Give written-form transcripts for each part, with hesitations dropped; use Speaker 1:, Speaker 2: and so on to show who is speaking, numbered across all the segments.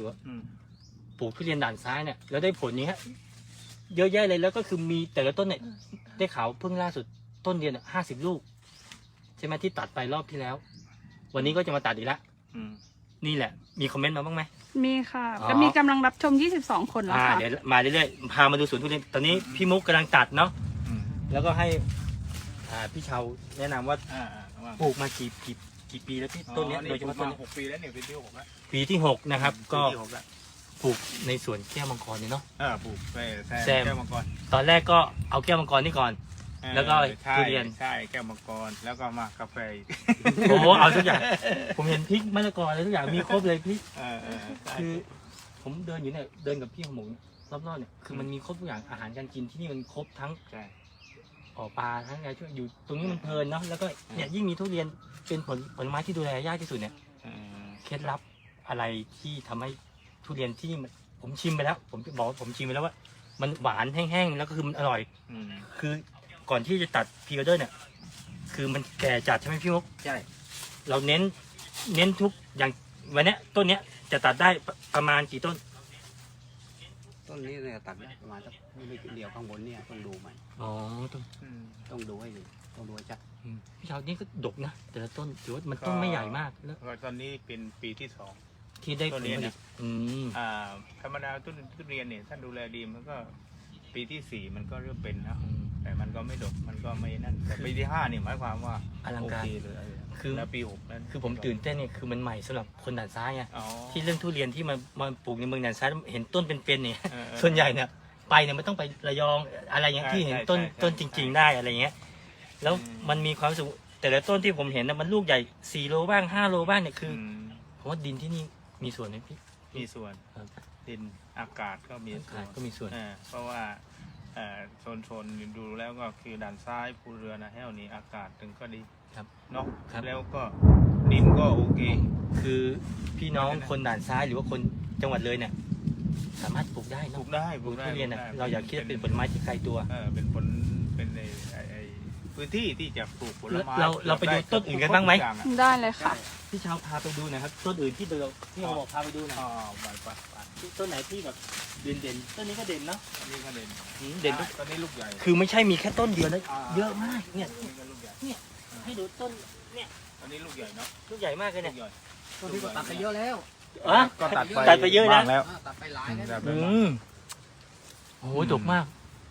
Speaker 1: ว่าปลูกทุเรียนด่านซ้ายเนี่ยแล้วได้ผลนี้ฮะเยอะแยะเลยแล้วก็คือมีแต่ละต้นเนี่ยได้ข่าวเพิ่งล่าสุดต้นเดียวเนี่ย50 ลูกใช่ไหมที่ตัดไปรอบที่แล้ว วันนี้ก็จะมาตัดอีกแล้วนี่แหละมีคอมเมนต์มาบ้างไหม
Speaker 2: มีค่ะก็มีกำลังรับชม22 คนแล้วค่ะ
Speaker 1: เดี๋ยวมาเรื่อยๆพามาดูสวนทุเรียนตอนนี้พี่มุกกำลังตัดเนาะแล้วก็ให้พี่เชาแนะนำว่าปลูกมากี่ปีแล้วพี่ต้นนี้โดยเฉพาะต้น
Speaker 3: 6 ปีแล้วเนี่ยปีที่ 6แล้ว
Speaker 1: ปีที่ 6นะครับก็ปลูกในสวนแก้วมังกรเนี่ยเนาะ
Speaker 3: ปลูกแซมแก้วมังกร
Speaker 1: ตอนแรกก็เอาแก้วมังกรนี่ก่อนแล้วก็ทุเรียน
Speaker 3: ใช่แก้วมังกรแล้วก็มากาแฟ
Speaker 1: โอ้โหเอาทุกอย่างผมเห็นพริกมะละกออะไรทุกอย่างมีครบเลยพี่คือผมเดินอยู่เนี่ยเดินกับพี่ของผมรอบๆเนี่ยคือมันมีครบทุกอย่างอาหารการกินที่นี่มันครบทั้งปลาทั้งอะไรช่วยอยู่ตรงนี้มันเพลินเนาะแล้วก็เนี่ยยิ่งมีทุเรียนเป็นผลไม้ที่ดูแลยากที่สุดเนี่ยเคล็ดลับอะไรที่ทำให้ทุเรียนที่ผมชิมไปแล้วผมจะบอกว่าผมชิมไปแล้วว่ามันหวานแห้งๆแล้วก็คือมันอร่อยคือก่อนที่จะตัดพรีออเดอร์เนี่ยคือมันแก่จัดใช่ไหมพี่มุก
Speaker 3: ใช่
Speaker 1: เราเน้นทุกอย่างวันนี้ต้นเนี้ยจะตัดได้ประมาณกี่ต้น
Speaker 4: นี้เนี่ยตัดได้ประมาณสักไม่กี่เดียวข้างบนเนี่ยต้องดูใหม่ต้องดูให้ดีต้องดูให้ชัด
Speaker 1: พี่ชาวนี่ก็ดกนะแต่ละต้นถือว่ามันต้นไม่ใหญ่มากแล้ว
Speaker 3: ตอนนี้เป็นปีที่ 2
Speaker 1: ที่ได้ผลผลิต
Speaker 3: ธรรมดาทุเรียนเนี่ยท่านดูแลดีมันก็ปีที่ 4มันก็เริ่มเป็นนะแต่มันก็ไม่ดกมันก็ไม่นั่นแต่ปีที่ 5นี่หมายความว่า
Speaker 1: อลังการ
Speaker 3: เลย
Speaker 1: คือ
Speaker 3: แล้วปี 6นั้น
Speaker 1: คือผมตื่นเต้นเนี่ยคือมันใหม่สำหรับคนด่านซ้ายไงที่เรื่องทุเรียนที่มาปลูกในเมืองด่านซ้ายเห็นต้นเป็นๆเนี่ยส่วนใหญ่เนี่ยไปเนี่ยมันต้องไประยองอะไรอย่างที่เห็นต้นจริงๆได้อะไรเงี้ยแล้วมันมีความสุขแต่ละต้นที่ผมเห็นนะมันลูกใหญ่4 โลบ้าง5 โลบ้างเนี่ยคือผมว่าดินที่นี่มีส่วนไหมพี่
Speaker 3: มีส่วนดินอากาศก็มี
Speaker 1: ส่วน
Speaker 3: เพราะว่าโซนดูแล้วก็คือด่านซ้ายภูเรือนะแห้วนี้อากาศถึงก็ดีเนาะแล้วก็ดินก็โอเค
Speaker 1: คือพี่น้องคนด่านซ้ายหรือว่าคนจังหวัดเลยเนี่ยสามารถปลูกได้
Speaker 3: ปลูกได้
Speaker 1: ทุเรียนเนี่ยเราอยากคิดเป็นผลไม้ที่ไกลตัว
Speaker 3: เป็นในพื้นที่ที่จะปลูกผลไม้
Speaker 1: เราไปดูต้นอื่นกันบ้างไหม
Speaker 2: ได้เลยค่ะ
Speaker 1: พี่ชาวพาไปดูหน่อยครับต้นอื่นที่เราบอกพาไปดูหน่อยต้นไหนที่แบบเด่นต้นนี้ก็เด่นเนาะ
Speaker 3: ต้นนี้ก็เด่นต้นนี้ลูกใหญ่
Speaker 1: คือไม่ใช่มีแค่ต้นเดียวนะเยอะมากเนี่ยให้ดูต้นเนี่ย
Speaker 3: ต้นนี้ลูกใหญ่เนาะ
Speaker 1: ลูกใหญ่มากเลยเนี่ย
Speaker 4: ต้นนี้ก็ตัดไปเยอะแล้ว
Speaker 3: ก็ตั
Speaker 1: ดไปเยอะ
Speaker 4: แล้วตัดไปหลายแล้ว
Speaker 1: โอ้โหดกมาก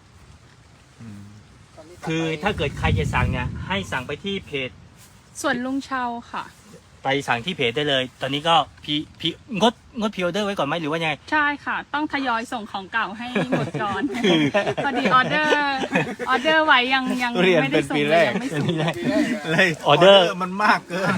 Speaker 1: คือถ้าเกิดใครจะสั่งเนี่ยให้สั่งไปที่เพจ
Speaker 2: สวนลุงเชาค่ะ
Speaker 1: ไปสั่งที่เพจได้เลยตอนนี้ก็งดพรีออเดอร์ไว้ก่อนไหมหรือว่าไง
Speaker 2: ใช่ค่ะต้องทยอยส่งของเก่าให้หมดก่อนพอดีออเดอร์ไว้ยังไม่ได้ส่งเลยยังไม่ส่ง
Speaker 3: เลยออเดอร์มันมากเกิน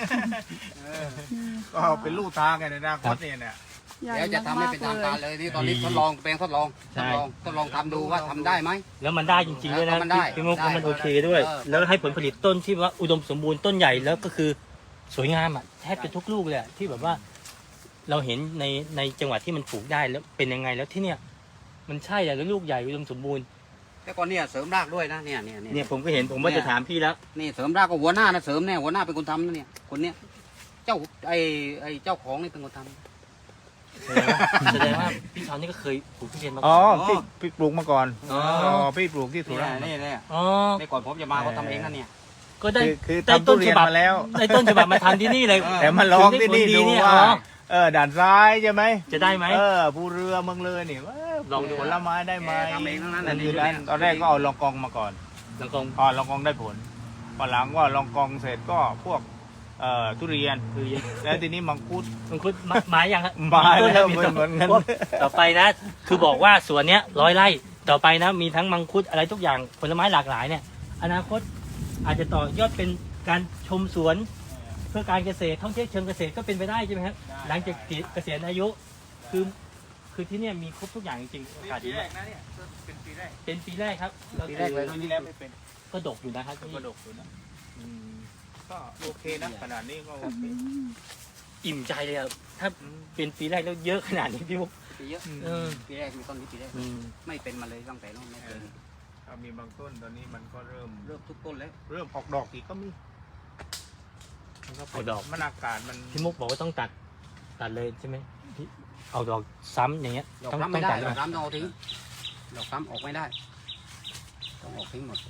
Speaker 3: ก็เป็นลูกทางไงในอนาคตเนี่ย
Speaker 4: เดี๋ยวจะทำให้เป็นทางการเลยที่ตอนนี้ทดลองทดลองทำดูว่าทำได้ไหม
Speaker 1: แล้วมันได้จริงๆด้วยนะพี่มุกมันโอเคด้วยแล้วให้ผลผลิตต้นที่ว่าอุดมสมบูรณ์ต้นใหญ่แล้วก็คือสวยงามอ่ะแทบจะทุกลูกเลยที่แบบว่าเราเห็นในจังหวัดที่มันปลูกได้แล้วเป็นยังไงแล้วที่เนี่ยมันใช่แล้วลูกใหญ่อุดมสมบูรณ์
Speaker 4: แต่ก่อนเนี่ยเสริมรากด้วยนะเนี่ย
Speaker 1: ผมก็เห็นผมว่าจะถามพี่แล้ว
Speaker 4: นี่เสริมรากก็หัวหน้านะเสริมเนี่ยหัวหน้าเป็นคนทำนะเนี่ยคนเนี้ยเจ้าไอ้เจ้าของนี่เป็นคนทำ
Speaker 1: แสดงว่าพี่ชาวนี่ก็เคยปลูกทุเรียนมาก่
Speaker 3: อนพี่ปลูกมาก่อนพี่ปลูกที่สุราษฎร์
Speaker 4: นี่ในก่อนผมจะมาเขาทำเองนั่นเนี่ย
Speaker 1: ก็ได้ต้นฉบับ
Speaker 3: แล้ว
Speaker 1: ได้ต้นฉบับมาทำที่นี่เลย
Speaker 3: แต่มาลองที่นี่ดูว่าด่านซ้ายใช่ไหม
Speaker 1: จะได้ไหม
Speaker 3: ภูเรือเมืองเลยนี่
Speaker 1: ลองดู
Speaker 3: ผลไม้ได้ไหม
Speaker 4: ทำเองทั้งนั้น
Speaker 3: ตอนแรกก็เอาลองกองมาก่อน
Speaker 1: ลองกอง
Speaker 3: ลองกองได้ผลพอหลังก็ลองกองเสร็จก็พวกทุเรียนแล้วทีนี้มังคุด
Speaker 1: ไม้ยังครับ
Speaker 3: ไม้แล้วเหมือนกัน
Speaker 1: ต่อไปนะคือบอกว่าสวนเนี้ย100 ไร่ต่อไปนะมีทั้งมังคุดอะไรทุกอย่างผลไม้หลากหลายเนี่ยอนาคตอาจจะต่อยอดเป็นการชมสวนเพื่อการเกษตรท่องเที่ยวเชิงเกษตรก็เป็นไปได้ใช่ไหมครับหลังจากเกษียณอายุคือที่เนี่ยมีครบทุกอย่างจริงๆโอกาสดีมากเป็นปีแรกครับ
Speaker 3: ปีแรกเลยที่แล้วไม่เป็น
Speaker 1: ก็ดกอยู่นะครับ
Speaker 3: ก็ดกอยู่นะก็โอเคนะขนาดนี้ก็
Speaker 1: อิ่มใจเลยครับถ้าเป็นปีแรกแล้วเยอะขนาดนี้พี่มุก
Speaker 4: เยอะปีแรกมีต้นนี้ปีแรกไม่เป็นมาเลยตั้งแต่นู้นไม่เป็น
Speaker 3: มีบางต้นตอนนี้มันก็เริ่ม
Speaker 4: ทุกต้นแล้ว
Speaker 3: เริ่มออกดอกอีกก็มี
Speaker 1: ออกดอก
Speaker 3: มันอากาศมัน
Speaker 1: พี่มุกบอกว่าต้องตัดเลยใช่ไหมเอาดอกซ้ำอย่างเงี้ย
Speaker 4: ดอก
Speaker 1: ต้อง
Speaker 4: ซ้ำไม่ได้
Speaker 1: ตัด
Speaker 4: ด
Speaker 1: ไหม
Speaker 4: อกซ้ำต้องเอาทิ้งดอกซ้ำออกไม่ได้ต้องออกทิ้งหมด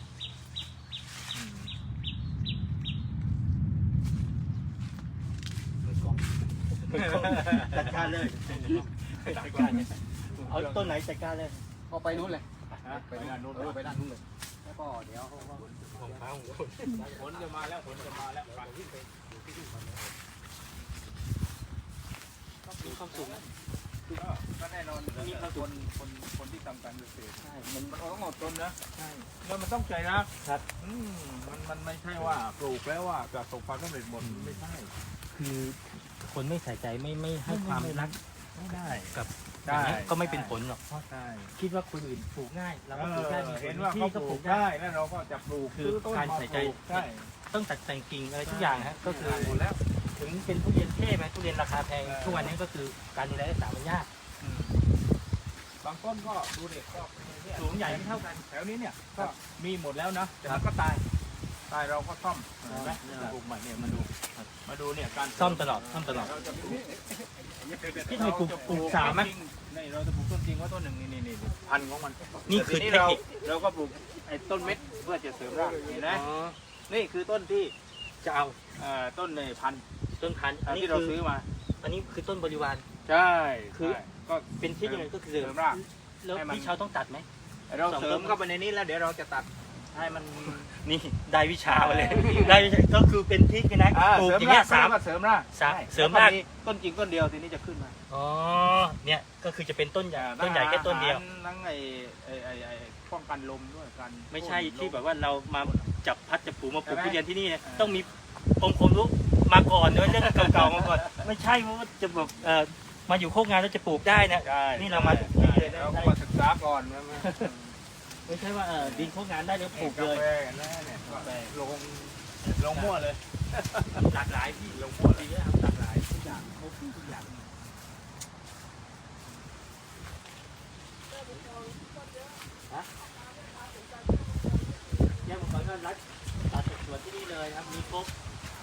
Speaker 1: จัดการเลยจัดการเนี่ยเอาต้นไหนจัดการเลย
Speaker 4: ก็ไปนู้นเลย
Speaker 3: ไปด้านนู้น
Speaker 4: ไปด้านนู้นเลยแล้วก็เดี๋ยวเขาก็
Speaker 3: ฝนจะมาแล้วฝนจะมาแล้วฝั่งที่เป็น
Speaker 1: มีความสุขนะ
Speaker 3: ก็แน่นอนมีคนที่ทำการเกษตร
Speaker 1: ใช่มัน
Speaker 3: มันต้องอดทนนะ
Speaker 1: ใช่
Speaker 3: แล้วมันต้องใจรักครับมันไม่ใช่ว่าปลูกแล้วว่าจะประสบความสำเร็จหมดไม่ใช่
Speaker 1: คือคนไม่ใส่ใจไม่ให้ความรัก
Speaker 3: ไม่ได้
Speaker 1: กับ
Speaker 3: ได้
Speaker 1: อย่างเงี้ยก็ไม่เป็นผลหรอกเพราะ
Speaker 3: ใช่
Speaker 1: คิดว่าคนอื่นปลูกง่ายเราก็ปลูกได้
Speaker 3: เห็นว่า
Speaker 1: ที่
Speaker 3: เขา
Speaker 1: ก็
Speaker 3: ป
Speaker 1: ป
Speaker 3: ลู
Speaker 1: ลู
Speaker 3: ก
Speaker 1: กได้
Speaker 3: ได้แล้วเราก็จะปลูก
Speaker 1: คือ
Speaker 3: ต้น
Speaker 1: การใส่ใจ
Speaker 3: ปลูกใช่
Speaker 1: ต้องตัดแต่งกิ่งอะไรทุกอย่างฮะก็คือ
Speaker 3: หมดแล้ว
Speaker 1: ถึงเป็นทุเรียนเทพไหมทุเรียนราคาแพงทุกวันนี้ก็คือการดูแลรักษามันยาก
Speaker 3: บางต้นก็ดูเด็กก็เนี่ย
Speaker 1: สูงใหญ่ไม่เท่ากัน
Speaker 3: แถวนี้เนี่ยก็มีหมดแล้วนะแต่มันก็ตายเราก็ซ่อมเห็นไหมปลูกใหม่เนี่ยมาดูเนี่ยการ
Speaker 1: ซ่อมตลอดซ่อมตลอด
Speaker 3: เราจะปลูก
Speaker 1: พี่ทำไมปลูกสามไหม
Speaker 3: นี่เราจะปลูกต้นจริงว่าต้นหนึ่งนี่พันธุ์ของมัน
Speaker 1: นี่คือ
Speaker 3: แต่ที
Speaker 1: เทคนิค
Speaker 3: เราก็ปลูกไอ้ต้นเม็ดเพื่อจะเสริมรากเห็นไหมนี่คือต้นที่
Speaker 1: จะเอา
Speaker 3: ต้นในพันธุ์
Speaker 1: ต้นพันธุ์อันนี้
Speaker 3: ที่เรา
Speaker 1: คือ
Speaker 3: ซื้อมา
Speaker 1: อันนี้คือต้นบริวาร
Speaker 3: ใช่
Speaker 1: คือ
Speaker 3: ใช่ก็
Speaker 1: เป็นที่ยังไงก็คือ
Speaker 3: เสริมราก
Speaker 1: แล้ว
Speaker 3: ให้มัน
Speaker 1: พี่เชาวต้องตัดไหม
Speaker 3: เราเสริมเข้าไปในนี้แล้วเดี๋ยวเราจะตัดให้มัน
Speaker 1: นี่ได้วิชามาเลยได้วิชาก็คือเป็นทริกนะปลูกอย่างเงี้ย
Speaker 3: เสริมรากเสริมราก
Speaker 1: เสริมราก
Speaker 3: ต้นจริงต้นเดียวทีนี้จะขึ้นมา
Speaker 1: อ๋อเนี่ยก็คือจะเป็นต้นใหญ่ต้นใหญ่แค่ต้นเดียว
Speaker 3: ทั้งไอ้ป้องกันลมด้วยกัน
Speaker 1: ไม่ใช่ที่แบบว่าเรามาจับพัดจับผูมาปลูก
Speaker 3: ใช่ไหม
Speaker 1: ทุเรียนที่นี่เนี่ยต้องมีองค์ความรู้มาก่อนด้วยเรื่องเก่าๆมาก่อนไม่ใช่ว่าจะแบบมาอยู่โคกงานแล้วจะปลูกได้นะ
Speaker 3: ใช่
Speaker 1: นี่เรามาทุกที่เลยนะ
Speaker 3: เราก็มาศึกษาก่อนนะ
Speaker 1: ไม่ใช่ว่าดินโคกงานได้แล้วปลูก
Speaker 3: กา
Speaker 1: เลย
Speaker 3: แฟนะเนี่ยลงมั่วเลย
Speaker 1: หลากหลายพี่
Speaker 3: ลงมั่วเล
Speaker 1: ดี
Speaker 3: ย
Speaker 1: แล้วหลากหลายทุกอย่างครบทุกอย่างแยกอุปกรณ์ก็รัดตัดสวนที่นี่เลยครับมีครบ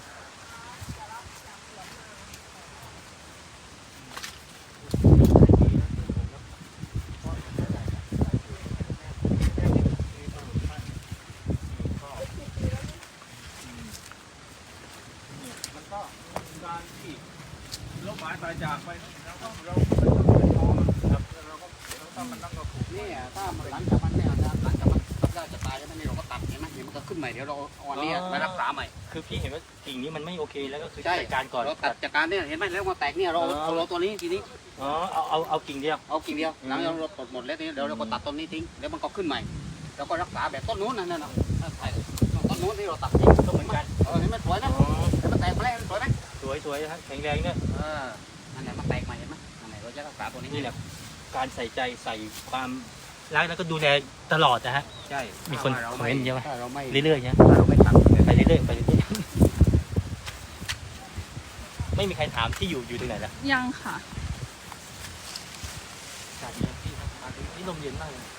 Speaker 3: มันก็การที่ลบหมายตายจากไปเราต้องเป็นพอครับเราต้องมันต้องกระปุก
Speaker 4: นี่ถ้ามันหลังจากมันเนี่ยหลังจากมันตัดได้จะตายแล้วนี่เราก็ตัดเห็นไหมเดี๋ยวมันก็ขึ้นใหม่เดี๋ยวเราเอาอันนี้ไปรักษาใหม่
Speaker 1: คือพี่เห็นว่ากิ่งนี้มันไม่โอเคแล้วก็คือ
Speaker 4: ใช่
Speaker 1: จัดการก่อน
Speaker 4: เราตัดจากการเนี่ยเห็นไหมแล้วมาแตกเนี่ยเราเอาตัวนี้ทีนี้
Speaker 1: อ๋อเอากิ่งเดียว
Speaker 4: เอากิ่งเดียวหลังจากเราตัดหมดแล้วทีนี้เดี๋ยวเราก็ตัดต้นนี้ทิ้งแล้วมันก็ขึ้นใหม่แล้วก็รักษาแบบต้นนู้นนั่นน่ะต้นนู้นที่เราตัดทิ้ง
Speaker 1: ก็เหมือนกัน
Speaker 4: เห็นไหมสวยนะ
Speaker 1: อ๋อ
Speaker 4: แล้วมันแตกมาแล้วสวยไหม
Speaker 1: สวยๆครับแข็งแรงเนี่ย
Speaker 4: นั่นแหละมันแตกใหม่เห็นไหมนั่นแหละเราจะรักษาตัวนี้
Speaker 1: นี่แหละการใส่ใจใส่ความรักแล้วก็ดูแลตลอดนะฮะ
Speaker 4: ใช่
Speaker 1: มีคนคอมเมนต์เยอะไหม
Speaker 4: ถ้าเราไม่
Speaker 1: เรื่อยๆเนี่ย
Speaker 4: ถ้าเราไม่ตัด
Speaker 1: ไปเรื่อยๆไปเรื่อยๆไม่มีใครถามที่อยู่ตรงไหนแล้ว
Speaker 2: ยังค่ะ
Speaker 1: อากาศดีครับพี่ครับอากาศดีนี่ลมเย็นมากเลย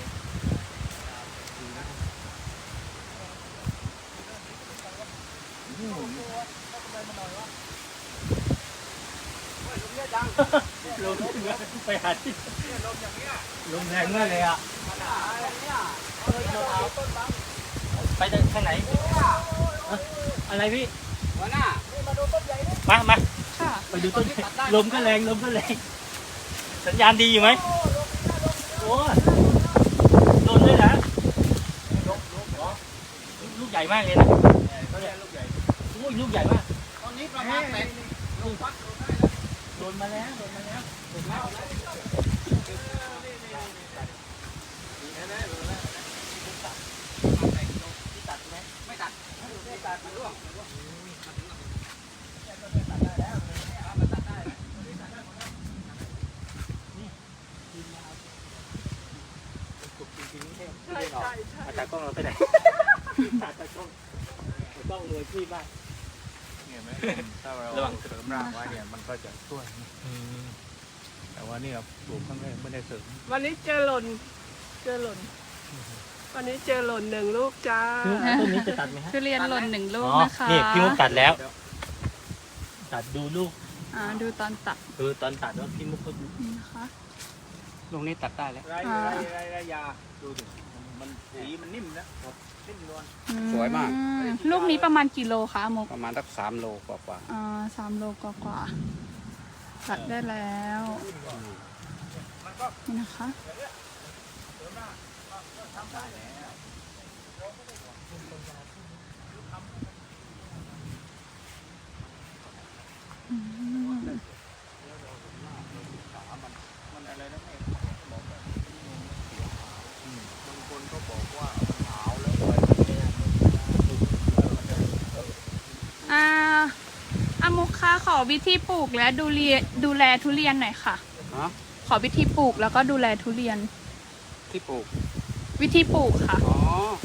Speaker 1: ลมไปหาที่ลมแรงมากเลยอ่ะไปทางไหนอะไรพี่
Speaker 4: หัวหน้า
Speaker 1: มา
Speaker 2: ค่ะ
Speaker 1: ไปดูต้นลมก็แรงสัญญาณดีอยู่ไหมโอ้โดนด้วยนะลูกใหญ่มากเลยนะ
Speaker 3: เขาเรียกลูกใหญ่
Speaker 1: โอ้ยลูกใหญ่มาก
Speaker 4: ตอนนี้ประมาณแตก
Speaker 1: โดนมาแล้วตัดไหม
Speaker 4: ไม่ตัดไม่ตัดมันร่วง
Speaker 1: อาจารย์กล้องเราไปไหนอาจารย์กล้องเลยพี่บ้าน
Speaker 3: เห็นไหมถ้าเรา
Speaker 1: ระวัง
Speaker 3: เสริมรากไว้เนี่ยมันก็จะช่วย แต่ว่านี่เราปลูกครั้งแรกไม่ได้เสริม
Speaker 5: วันนี้เจอหล่น วันนี้เจอหล่นหนึ่งลูกจ้า
Speaker 1: ต้นนี้จะตัดไหมฮะ
Speaker 2: ทุเรียนหล่น1 ลูกนะคะ
Speaker 1: นี่พี่มุกตัดแล้ว ตัดดูลูก
Speaker 2: ดูตอนตัด
Speaker 1: คือตอนตัดว่าพี่มุกก็
Speaker 2: นี่นะคะ
Speaker 4: ลูกนี้ตัดได้แล้ว
Speaker 3: ไรยาดูดิมันสีมันนิ่มนะนิ่มนวล
Speaker 4: สวยมาก
Speaker 2: ลูกนี้ประมาณกี่โลคะมุก
Speaker 4: ประมาณสัก3 โลกว่า
Speaker 2: 3 โลกว่าๆตัดได้แล้วนี่นะคะอืม
Speaker 3: มันอะไรนะแม่บอกแบบบางคนก็บอกว่ามันหนาวแล้ว
Speaker 2: มุกคะขอวิธีปลูกและดูแลทุเรียนหน่อยค่ะ
Speaker 4: ฮะ
Speaker 2: ขอวิธีปลูกแล้วก็ดูแลทุเรียน
Speaker 4: ที่ปลูก
Speaker 2: วิธีปลูกค่ะ
Speaker 4: อ๋อ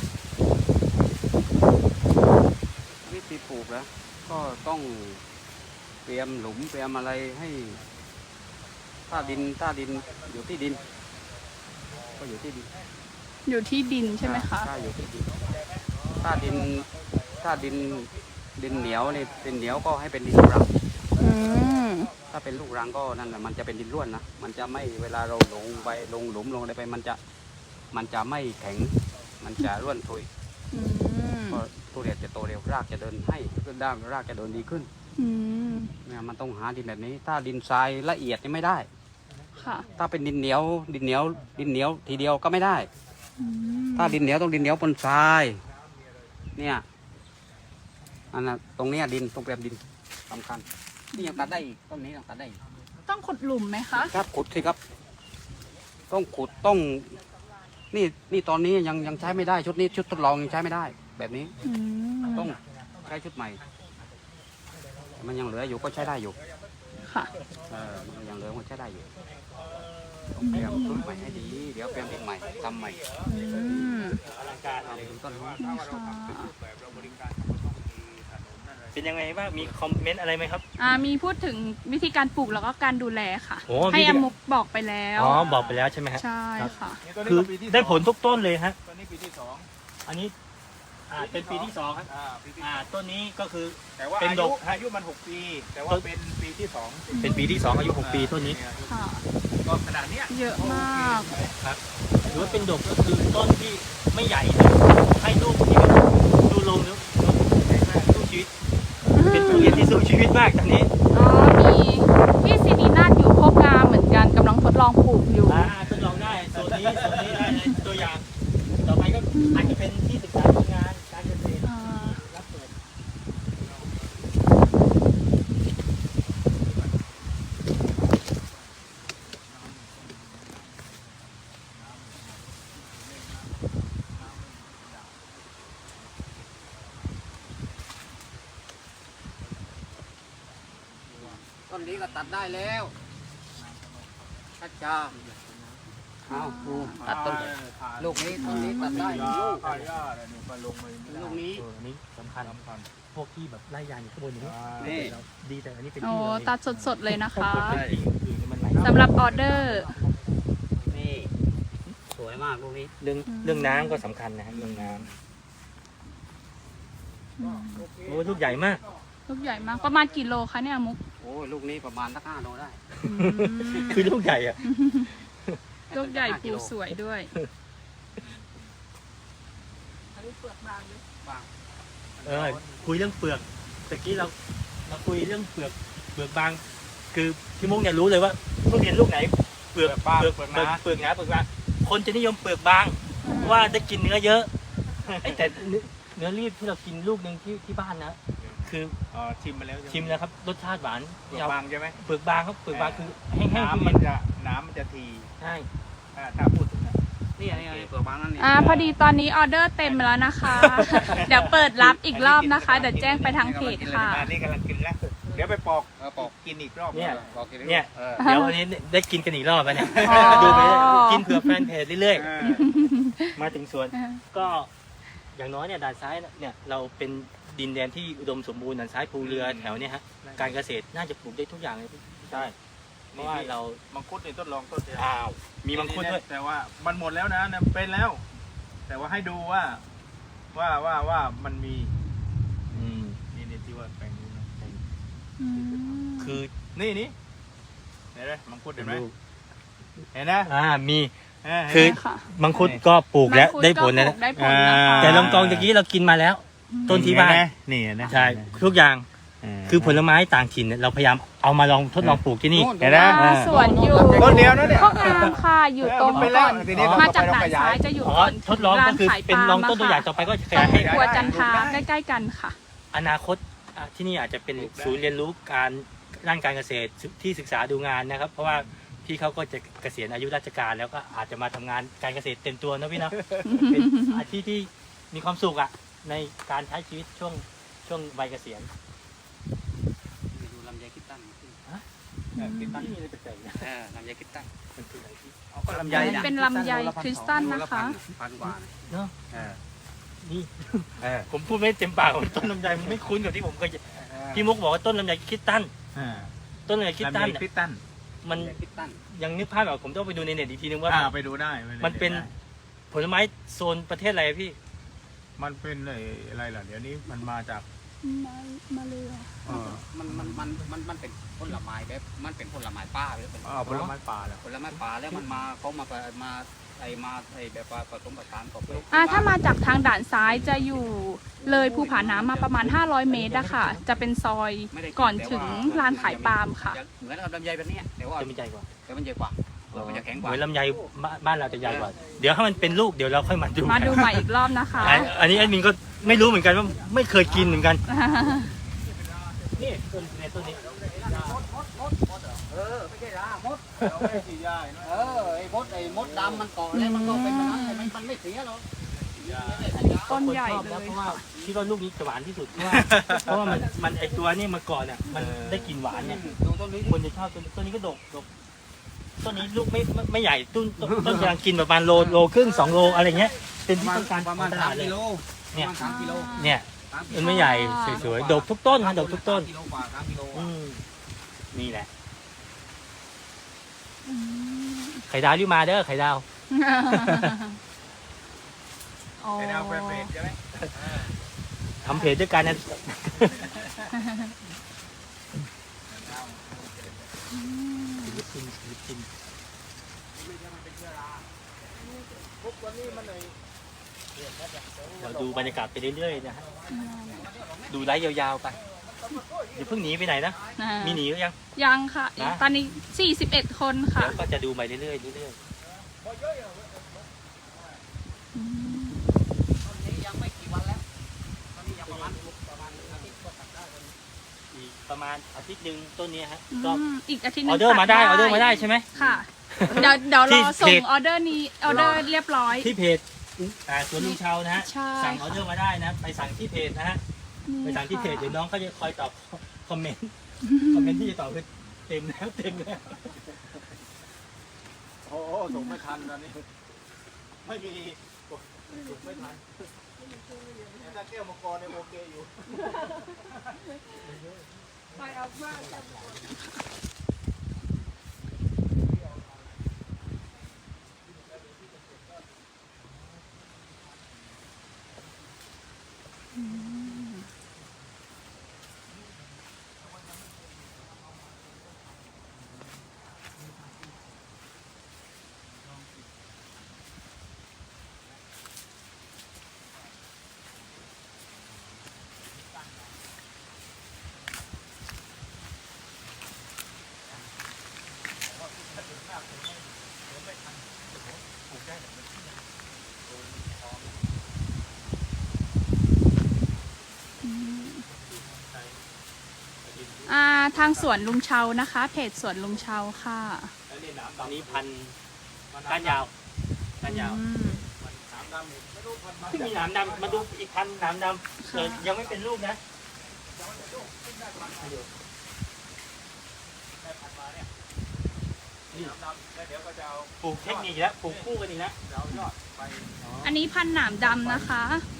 Speaker 4: วิธีปลูกแล้วก็ต้องเตรียมหลุมเตรียมอะไรให้ถ้าดินอยู่ที่ดิน ก็อยู่ที่ดิน
Speaker 2: อยู่ที่ดินใช่ไหมคะ
Speaker 4: ถ้าอยู่ที่ดินถ้าดินเหนียวนี่ดินเหนียวก็ให้เป็นดินลูกรัง
Speaker 2: อืม
Speaker 4: ถ้าเป็นลูกรังก็นั่นแหละมันจะเป็นดินร่วนนะมันจะไม่เวลาเราลงไปลงหลุมลงอะไรไปมันจะไม่แข็งมันจะร่วนทุย
Speaker 2: อืม
Speaker 4: ก็ทุเรียนจะโตเร็วรากจะเดินให้ขึ้นด้ามรากจะเดินดีขึ้น
Speaker 2: อืม
Speaker 4: เนี่ยมันต้องหาดินแบบนี้ ถ้าดินทรายละเอียดนี่ไม่ได้
Speaker 2: ค่ะ
Speaker 4: ถ้าเป็นดินเหนียวทีเดียวก็ไม่ได้
Speaker 2: อืม
Speaker 4: ถ้าดินเหนียวต้องดินเหนียวบนทรายเนี่ยอันนั้นตรงเนี้ยดินตรงเปรียบดินสำคัญนี่ยังตัดได้อีกต้นนี้ยังตัดได้อีก
Speaker 2: ต้องขุดหลุมไหมคะ
Speaker 4: ครับขุดสิครับ ต้องขุดต้องนี่ตอนนี้ยังใช้ไม่ได้ชุดนี้ชุดทดลองยังใช้ไม่ได้ แบบนี้
Speaker 2: อืม
Speaker 4: ต้องใช้ชุดใหม่ มันยังเหลืออยู่ก็ใช้ได้อยู่
Speaker 2: ค่ะ
Speaker 4: มันยังเหลือมันใช้ได้อยู่ต้องเตรียมชุดใหม่ให้ดีเดี๋ยวเตรียมดินใหม่ทำใหม่
Speaker 2: อืม
Speaker 4: ทำต้นไม้
Speaker 2: นี่ค่ะ
Speaker 3: แบบเราบริการก็ต้องมีถนนอะไร
Speaker 1: เป็นยังไงบ้างมีคอมเมนต์อะไรไหมครับ
Speaker 2: มีพูดถึงวิธีการปลูกแล้วก็การดูแลค่ะ
Speaker 1: โอ้
Speaker 2: ให้
Speaker 1: วิธี
Speaker 2: อามุกบอกไปแล้ว
Speaker 1: อ๋อบอกไปแล้วใช่ไหมฮะ
Speaker 2: ใช่ค่ะ
Speaker 3: นี่ตัวนี้
Speaker 1: คือ
Speaker 3: ก็ปีที่
Speaker 1: ได้ผลทุกต้นเลยฮะ
Speaker 3: ตัวนี้ปีที่2
Speaker 1: อันนี้เป็นปีที่สองครับ
Speaker 3: ปีที่
Speaker 1: ต้นนี้ก็คือ
Speaker 3: แต่ว่า
Speaker 1: เป็นดก
Speaker 3: อายุมัน6 ปี แต่ว่าเป็นปีที่2
Speaker 1: เป็นปีที่ 2 อายุ 6 ปีต้นนี้
Speaker 2: ค่ะ
Speaker 3: ก็ขนาดเนี้ย
Speaker 2: เยอะมาก
Speaker 1: ครับหรือว่าเป็นดกก็คือต้นที่ไม่ใหญ่นะให้ลูกที่ดูลงแล้วสู้ชีวิต เป็นทุเรียนที่สู้ชีวิตมากตอนนี้
Speaker 2: มีพี่ซินีนาฏอยู่โคกงามเหมือนกันกำลังทดลองปลูกอยู่
Speaker 1: ทดลองได้โซนนี้ได้เลยตัวอย่าง ต่อไปก็อาจจะเป็นที่ศึกษาดูงานการเกษตรรับเปิด
Speaker 4: ต้นนี้ก็ตัดได้แล้วชัดจ้าเอาดูตัดต้นลูกนี้ต้นนี้ตัดได้ลูก
Speaker 3: ผ่าหญ้าอะไรเนี่ยก็ลงมา
Speaker 4: ลูกนี้
Speaker 1: อันนี้สำคัญพวกที่แบบไล่ยางอยู่ข้างบนอย่างนี้
Speaker 4: นี่
Speaker 1: ดีแต่อันนี้เป็น
Speaker 2: โอ้
Speaker 1: ที่เลย
Speaker 2: ตัดสดๆเลยนะคะ
Speaker 1: เป็นที่อื่นมันไหล
Speaker 2: สำหรับออเดอร์
Speaker 4: นี่สวยมากลูกนี้
Speaker 1: เรื่องน้ำก็สำคัญนะฮะเรื่องน้ำโอ้ลูกใหญ่มาก
Speaker 2: ลูกใหญ่มากประมาณกี่โลคะเนี่ยมุก
Speaker 4: โอ้ยลูกนี้ประมาณสัก5 โลได้
Speaker 2: อืม
Speaker 1: คือลูกใหญ่อะ
Speaker 2: ลูกใหญ่ปูสวยด้วย
Speaker 1: คุยเรื่องเปลือกตะกี้เราคุยเรื่องเปลือกบาง คือพี่มุกเนี่ยรู้เลยว่าทุเรียนลูกไหนเปลือกหนาเปลือกบางคนจะนิยมเปลือกบางเพราะว่าได้กินเนื้อเยอะแต่เนื้อรีบที่เรากินลูกหนึ่งที่บ้านนะคือ
Speaker 3: ชิมมาแล้ว
Speaker 1: ชิมแล้วครับรสชาติหวาน
Speaker 3: เปลือกบางใช่ไหม
Speaker 1: เปลือกบางครับเปลือกบางคือแห้งๆ
Speaker 3: น้ำมันจะที
Speaker 1: ใช่
Speaker 3: ถ้าพูดถึงนะ
Speaker 4: นี่เปลือกบางนั่นนี่
Speaker 2: พอดีตอนนี้ออเดอร์เต็มแล้วนะคะ เดี๋ยวเปิดรับอีกรอบนะคะ เดี๋ยวแจ้งไปทางเพจค่ะ
Speaker 3: อันนี้กำลังกินแล้ว เดี๋ยวไปปอก
Speaker 4: ปอก
Speaker 3: กินอีกรอบ
Speaker 1: เนี่ย
Speaker 4: ปอกกิน
Speaker 1: เนี่ย
Speaker 4: เออ
Speaker 1: เดี๋ยววันนี้ได้กินกันอีกรอบแล้วเนี่ย
Speaker 2: อ๋อ
Speaker 1: ดูไปกินเผื่อแฟนเพจเรื่อย
Speaker 3: เออ
Speaker 1: ๆมาถึงสวน ก็อย่างน้อยเนี่ยด่านซ้ายเนี่ยเราเป็นดินแดนที่อุดมสมบูรณ์ด่านซ้ายภูเรือแถวเนี่ยฮะการเกษตรน่าจะปลูกได้ทุกอย่างเลยใช่เพราะว่าเรา
Speaker 3: มังคุดนี่ทดลองต้นเดียว
Speaker 1: มีมังคุดด้วย
Speaker 3: แต่ว่ามันหมดแล้วนะเป็นแล้ว แต่ว่าให้ดูว่ามันมี
Speaker 1: อืม
Speaker 3: นี่ที่ว่าแปลงนี้นะ
Speaker 2: อืม
Speaker 1: คือ
Speaker 3: นี่เห็นไหมมังคุดเห็นไหมเห็นนะ
Speaker 1: มี
Speaker 3: คื
Speaker 1: คือ
Speaker 2: ค่ะ
Speaker 1: มังคุดก็ปลูกแล้ว
Speaker 2: มังคุ
Speaker 1: ได้ผล
Speaker 2: ก็
Speaker 1: นะ
Speaker 2: ปลูกได้ผลนะคะ
Speaker 1: แต่ลองกองตะกี้เรากินมาแล้ว ต้นที่บ้าน
Speaker 3: นี่นะ
Speaker 1: ใช่ทุกอย่างคือผลไม้ต่างถิ่นเนี่ยเราพยายามเอามาลองทดลองปลูกที่นี่
Speaker 3: เห็นไหม
Speaker 2: สวนอยู่
Speaker 3: ต้นเดียวนะเนี่ย
Speaker 2: ก็งามค่ะอยู่ตรง
Speaker 3: ไปแล้
Speaker 2: ก่
Speaker 3: ว
Speaker 2: อน
Speaker 3: ทีนี้
Speaker 2: มาจากด่านซ้ายจะอยู่
Speaker 1: อ๋อ
Speaker 2: ก่อน
Speaker 1: ทดลอง
Speaker 2: ร้า
Speaker 1: ก็
Speaker 2: น
Speaker 1: คือ
Speaker 2: ขาย
Speaker 1: เป็น
Speaker 2: ปา
Speaker 1: ล
Speaker 2: ล์
Speaker 1: อง
Speaker 2: ม
Speaker 1: ต้นตัวอย่างต่อไปก็ข
Speaker 2: ตร
Speaker 1: ยาย
Speaker 2: ง
Speaker 1: ให้
Speaker 2: ครัวจันทราใกล้ๆกันค่ะ
Speaker 1: อนาคตที่นี่อาจจะเป็นศูนย์เรียนรู้การด้านการเกษตรที่ศึกษาดูงานนะครับ เพราะว่าพี่เขาก็จะเกษียณอายุราชการแล้วก็อาจจะมาทำงานการเกษตรเต็มตัวนะพี่เนาะ เป็นอาชีพที่มีความสุขอะในการใช้ชีวิตช่วงวัยเกษียณ
Speaker 4: ดูลำไยคิดตั้งขึ้น
Speaker 1: คิดตั้งนี่เลยแปลกๆนะ
Speaker 4: ลำไยคิดตั้ง
Speaker 1: มันคืออะไรที่
Speaker 3: ก็ลำไย
Speaker 2: เป็นลำไยคริสตัลนะคะ
Speaker 4: พันกว่า
Speaker 1: เนาะ
Speaker 3: เออ
Speaker 1: นี่
Speaker 3: เออ
Speaker 1: ผมพูดไม่เต็มปากต้นลำไยมันไม่คุ้นกับที่ผมเคยพี่มุกบอกว่าต้นลำไยคิดตั้นต้นลำไยคิดตั้น
Speaker 3: ลำไยคิดตั้น
Speaker 1: มัน
Speaker 4: ลำไยคิดตั้ง
Speaker 1: ยังนึกภาพแบบผมต้องไปดูในเน็ตอีกทีนึงว่า
Speaker 3: ไปดูได้
Speaker 1: มันเป็นผลไม้โซนประเทศอะไรอะพี่
Speaker 3: มันเป็นอะไรล่ะเดี๋ยวนี้มันมาจาก
Speaker 2: มาเลย
Speaker 4: มันเป็นผลไม้แบบมันเป็นผลไม้ป่าหรือเป็น
Speaker 3: ผลไม้ป่าแล้ว
Speaker 4: ผลไม้ป่าแล้วมันมาเขามาแบบว่าผสมผสานกับ
Speaker 2: ถ้ามาจากทางด่านซ้ายจะอยู่เลยภูผาน้ำมาประมาณ500 เมตรอะค่ะ จะเป็นซอยก่อนถึงร้านขายปาล์มค่ะ
Speaker 4: เหมือนกับลำไยแบบนี้แต่ว่า
Speaker 1: จะมีใหญ่กว่า
Speaker 4: แต่มันใหญ่กว่ามันจะแข็งก
Speaker 1: เห
Speaker 4: ว่า
Speaker 1: มือนลำไยบ้านเราจะใหญ่กว่า เดี๋ยวถ้ามันเป็นลูกเดี๋ยวเราค่อยมาดู
Speaker 2: มาดูใหม่อีกรอบนะคะ
Speaker 1: อันนี้แอดมินก็ไม่รู้เหมือนกันว่าไม่เคยกินเหมือนกันนี่ต้นนี้
Speaker 4: ไม่ใช่ละมดไอ้มดดำมันเกาะแล้วมันก็เป็นมันไม่เสียหรอก
Speaker 2: ต้นใหญ่
Speaker 1: ชอบ
Speaker 2: เล
Speaker 1: นะ
Speaker 2: ย
Speaker 1: เพราะว่าคิดว่าลูกนี้จะหวานที่สุดเพราะว่ามันไอตัวนี้มาก่อนเนี่ยมันได้กลิ่นหวานเนี่ย
Speaker 4: ดูต้นนี้
Speaker 1: คนจะชอบต้นนี้ก็ดกต้นนี้ลูกไม่ใหญ่ต้นกำลังกินประมาณโลครึ่ง2 โลอะไรเงี้ยเป็นที่ต้องการ
Speaker 4: ประมาณ
Speaker 1: ตลาดเลย
Speaker 4: 3 กิโล
Speaker 1: เนี่ย
Speaker 4: ประมาณ3 กิโล
Speaker 1: เนี่ยมันไม่ใหญ่สวยๆดกทุกต้นนะดกทุกต้น
Speaker 4: กิโลกว่า3 กิโล
Speaker 1: นี่แหละไข่ดาวรีบมาเด้อไข่ดาว
Speaker 2: อ๋อ
Speaker 3: เป็นเอาเป็นใช่ไหม
Speaker 1: ทำเพจด้วยกันนะศิลปินเราดูบรรยากาศไปเรื่อยๆนะฮะดูไลฟ์ยาวๆไปอย่าเพิ่งหนีไปไหนนะมีหนีหรือยัง
Speaker 2: ยังค่ะ
Speaker 1: นะ
Speaker 2: ตอนนี้41 คนค่ะ
Speaker 1: เดี๋ยวก็จะดูไปเรื่อยๆเรื่อย
Speaker 4: ต้นนี้ยังไม่กี่วันแล้วต้นนี้ยังประมาณอาทิตย์ก็ตัดได้
Speaker 1: ๆอีกประมาณอาทิตย์หนึ่งต้นนี้ฮะ
Speaker 2: อื
Speaker 1: ก็
Speaker 2: มอีกอาทิตย์ห
Speaker 1: อ
Speaker 2: นึ
Speaker 1: อง เดอร์มาได้ออเดอร์มาได้ใช่ไหม
Speaker 2: ค่ะ เดี๋ยวร
Speaker 1: ที่
Speaker 2: อส่
Speaker 1: เพ
Speaker 2: ง
Speaker 1: จ
Speaker 2: ออเดอร์นี้ออเดอร์เรียบร้อย
Speaker 1: ที่เพจสวนลุงเชานะฮะ
Speaker 2: ใช่
Speaker 1: สั่งออเดอร์มาได้นะไปสั่งที่เพจนะฮะไปสั่งที่เพจเดี๋ยวน้องก็จะคอยตอบคอมเมนต์ที่จะตอบคือเต็มแล้ว
Speaker 3: โอ้ส่งไม่ทันตอนนี้ไม่มีส่งไม่ทันถ้าแก้วมังกรเนี่ยโอเคอยู่
Speaker 5: ไปเอามาก
Speaker 2: ทางสวนลุงเชานะคะ เพจสวนลุงเชาค่ะ
Speaker 1: แล้วนี่หนามตอนนี้พันก้านยาว
Speaker 2: อืม
Speaker 1: ที่มีหนามดำมาดูอีกพันหนามดำยังไม่เป็นลูกนะปลูกเทคนิคแล้วปลูกคู่กันอีกแล้ว
Speaker 2: อันนี้พันธุ์หนามดำนะคะ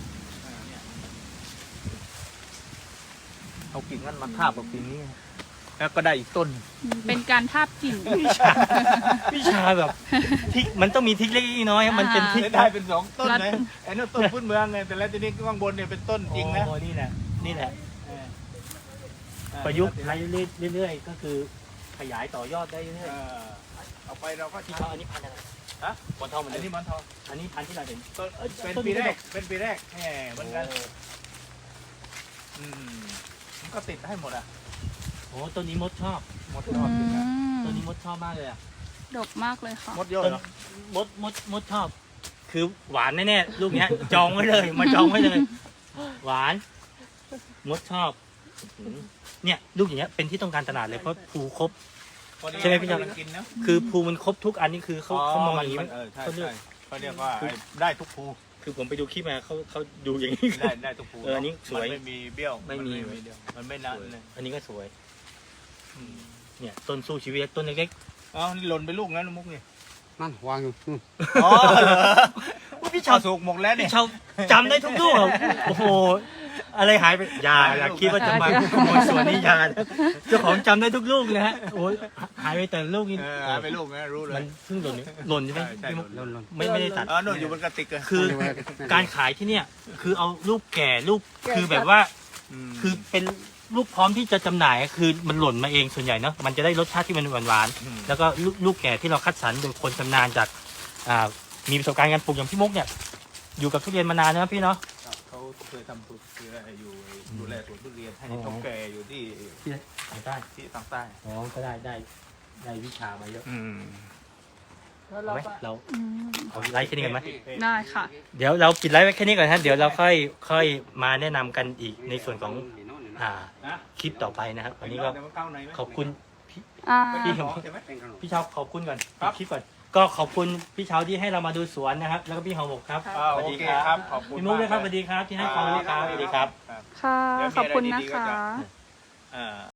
Speaker 3: เอากิ่งนั้นมาทาบกับกิ่งนี้แล้วก็ได้อีกต้น
Speaker 2: เป็นการทาบกิ่ง
Speaker 1: วิชาแบบทิกมันต้องมีทิกเล็กน้อยมันเป็นทิก
Speaker 3: ได้เป็น2 ต้นเลยไอ้นั่นต้นพื้นเมืองไงแต่แล้วทีนี้ข้างบนเนี่ยเป็นต้นจริงนะ
Speaker 1: โอ้นี่แหละประยุกต์ใช้เรื่อยๆก็คือขยายต่อยอดได้เรื่อย
Speaker 3: เอาไปเราก็
Speaker 1: ๆพี่
Speaker 3: ใช้
Speaker 1: เขาอันนี้พันธุ์อะไร
Speaker 3: ฮะ
Speaker 1: หมอนทองเหมือน
Speaker 3: อัน
Speaker 1: เดิ
Speaker 3: นี้
Speaker 1: ม
Speaker 3: มันทอง
Speaker 1: อันนี้พันธุ์ที่เราเห็น
Speaker 3: ต้น เป็น
Speaker 1: ต้น
Speaker 3: ปี
Speaker 1: นี้
Speaker 3: แร
Speaker 1: ก็
Speaker 3: กเป็นปีแรกแหมเหมือนกันมันก็ติดให้หมดอ่ะ
Speaker 1: โอ้ต้นนี้มดชอบ
Speaker 3: หมด
Speaker 2: อื
Speaker 3: รอบติดนะ
Speaker 2: ม
Speaker 1: ต้นนี้มดชอบมากเลยอ่ะ
Speaker 2: ดกมากเลยค่ะ
Speaker 3: หมดเยอะ
Speaker 1: ต้น
Speaker 3: เหรอ
Speaker 1: มดชอบ คือหวานแน่ๆลูกเนี้ย จองไว้เลยมาจองไว้เลย หวานมดชอบเนี่ยลูกอย่างเงี้ยเป็นที่ต้องการตลาดเลยเพราะภูครบ ใช่ไหมพี่จอม
Speaker 3: กินนะ
Speaker 1: คือภูมันครบทุกอันนี่คือเขามองอย่างนี้
Speaker 3: ใช่
Speaker 1: เขาเลือก
Speaker 3: เขาเรียกว่าได้ทุกภู
Speaker 1: คือผมไปดูคลิปมาเขาดูอย่างนี้
Speaker 3: ได้ทุกภู
Speaker 1: อันนี้สวย
Speaker 3: มันไม่มีเบี้ยว
Speaker 1: ไม่มี
Speaker 3: มันไม่นั่นเลย
Speaker 1: อันนี้ก็สวย เนี่ยต้นสู้ชีวิตต้นเล็ก
Speaker 3: อ๋อนี่หล่นไปลูกนั้นมุกนี่
Speaker 4: นั่นวางอยู่
Speaker 3: อ๋อเหรอ
Speaker 1: ๆพี่
Speaker 3: ชา
Speaker 1: ชาว ว
Speaker 3: สุกหมกแล้วเนี่
Speaker 1: พี่
Speaker 3: ย
Speaker 1: ชาวจำได้ทุกลูกอะโอ้โหอะไรหายไปอย่าคิดว่าจะมาขโมยสวนนี้อยานะเจ้าของจำได้ทุกลูกนะฮะโอ้ยหายไปแต่ลูกนี้
Speaker 3: หายไปลูกนะรู้เล
Speaker 1: มั
Speaker 3: ย
Speaker 1: นเพิ่งหล่นใช่ไหม
Speaker 3: ใช่
Speaker 1: พี่มุก
Speaker 3: หล่น
Speaker 1: ไม่ได้ตัด
Speaker 3: อ๋อโน่นอยู่บนกระติกเลย
Speaker 1: คือการขายที่เนี่ย คือเอาลูกแก่ลูกคือแบบว่า คือเป็นลูกพร้อมที่จะจำหน่ายคือมันหล่นมาเองส่วนใหญ่เนาะมันจะได้รสชาติที่มันหวานๆแล้วก็ลูกแก่ที่เราคัดสรรโดยคนชำนาญจากมีประสบการณ์การปลูกอย่างพี่มุกเนี่ยอยู่กับทุเรียนมานานนะพี่เนาะ
Speaker 3: เขาเคยทำคืออยู่ดูแลสวนทุเรียนให้เท่าแก่อยู่ที่
Speaker 1: ทางใต้
Speaker 3: ที่ทางใต้
Speaker 1: อ๋อก็ได้วิชามาเยอะ
Speaker 5: แล้ว
Speaker 1: เอา
Speaker 5: เรา
Speaker 1: ไหม
Speaker 5: ก็
Speaker 1: เรา
Speaker 2: อืม
Speaker 1: เอาไลฟ์แค่นี้กันไหม
Speaker 2: ได้ค่ะ
Speaker 1: เดี๋ยวเราปิดไลฟ์ไว้แค่นี้ก่อนฮะเดี๋ยวเราค่อยมาแนะนำกันอีกในส่วนของคลิปต่อไปนะครับวันนี้ก็ขอบคุณ
Speaker 2: อ่า
Speaker 1: พี่
Speaker 3: ใช่ไหม
Speaker 1: พี่เชาขอบคุณก่อนคลิปก่อนก็ขอบคุณพี่เชาที่ให้เรามาดูสวนนะครับ แล้วก็พี่หอมบกครับ
Speaker 3: โอเคครับขอบคุณ
Speaker 1: พี่มุกด้วยครับสวัสดีครับที่ให้ความรู้ครับสวัสดีครับ
Speaker 2: ค่ะ ขอบคุณนะคะ
Speaker 3: อ่า